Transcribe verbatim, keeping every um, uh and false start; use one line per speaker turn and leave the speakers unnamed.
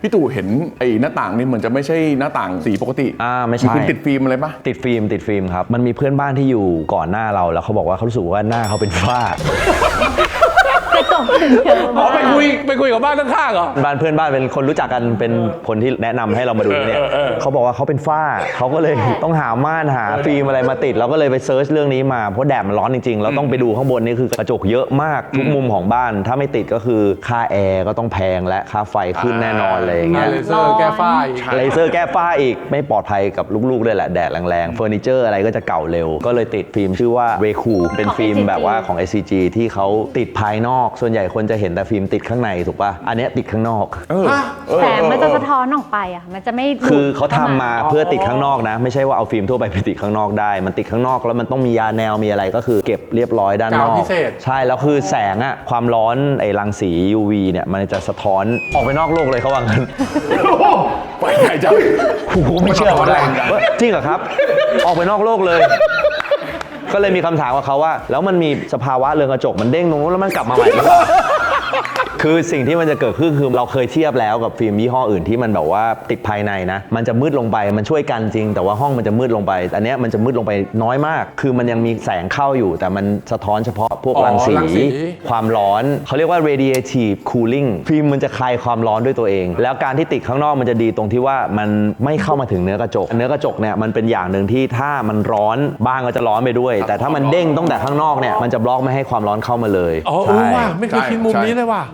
พี่ตู่เห็นไอ้หน้าต่างนี่เหมือนจะไม่ใช่หน้าต่างสีปกติ
อ่าไม่ใช่
คุณติดฟิล์มอะไรปะ
ติดฟิล์มติดฟิล์มครับมันมีเพื่อนบ้านที่อยู่ก่อนหน้าเราแล้วเขาบอกว่าเขารู้สึกว่าหน้าเขาเป็นฝ้าก
ระจกถึงเยอะมาก
ไปคุยไปคุยกับบ้านข้างๆเหรอ
บ้านเพื่อนบ้านเป็นคนรู้จักกันเป็นคนที่แนะนำให้เรามาดูเนี่ยเขาบอกว่าเขาเป็นฝ้าเขาก็เลยต้องหาม่านหาฟิล์มอะไรมาติดเราก็เลยไปเซิร์ชเรื่องนี้มาเพราะแดดมันร้อนจริงๆเราต้องไปดูข้างบนนี่คือกระจกเยอะมากทุกมุมของบ้านถ้าไม่ติดก็คือค่าแอร์ก็ต้องแพงและค่าไฟขึ้นแน่นอนเลยอย่างเงี้ย
เลเซอร์แก้ฝ้าอีก
เลเซอร์แก้ฝ้าอีกไม่ปลอดภัยกับลูกๆด้วยแหละแดดแรงๆเฟอร์นิเจอร์อะไรก็จะเก่าเร็วก็เลยติดฟิล์มชื่อว่าเรคูเป็นฟิล์มแบบว่าของ เอส ซี จี ที่เขาติดภายนอกส่วนใหญ่คนจะเห็นแต่ฟิล์มติดข้างในถูกป่ะอันนี้ติดข้างนอก
แสงมันจะสะท้อนออกไปอ่ะมันจะไม่
คือเขาทำมาเพื่อติดข้างนอกนะไม่ใช่ว่าเอาฟิล์มทั่วไปไปติดข้างนอกได้มันติดข้างนอกแล้วมันต้องมียาแนวมีอะไรก็คือเก็บเรียบร้อยด้านนอกใช่แล้วคือแสงอะความร้อนไอ้รังสี ยู วี เนี่ยมันจะสะท้อนออกไปนอกโลกเลยเขาว่างั้น
ไปไหนจัง
กูไม่เชื่อว่าจริงเหรอครับออกไปนอกโลกเลยก็เลยมีคำถามกับเขาว่าแล้วมันมีสภาวะเรือนกระจกมันเด้งตรงนู้นแล้วมันกลับมาใหม่หรือเปล่าคือสิ่งที่มันจะเกิดขึ้นคือเราเคยเทียบแล้วกับฟิล์มยี่ห้ออื่นที่มันแบบว่าติดภายในนะมันจะมืดลงไปมันช่วยกันจริงแต่ว่าห้องมันจะมืดลงไปอันนี้มันจะมืดลงไปน้อยมากคือมันยังมีแสงเข้าอยู่แต่มันสะท้อนเฉพาะพวกรังสีความร้อนเขาเรียกว่า radiative cooling ฟิล์มมันจะคลายความร้อนด้วยตัวเองแล้วการที่ติดข้างนอกมันจะดีตรงที่ว่ามันไม่เข้ามาถึงเนื้อกระจกเนื้อกระจกเนี่ยมันเป็นอย่างหนึ่งที่ถ้ามันร้อนบ้านก็จะร้อนไปด้วยแต่ถ้ามันเด้งตั้งแต่ข้างนอกเนี่ยมันจะบล็อกไม่ให้ความร้อนเข้ามาเลย
อ๋อเออว่ะไม่เคยคิดมุมนี้เลยว่ะ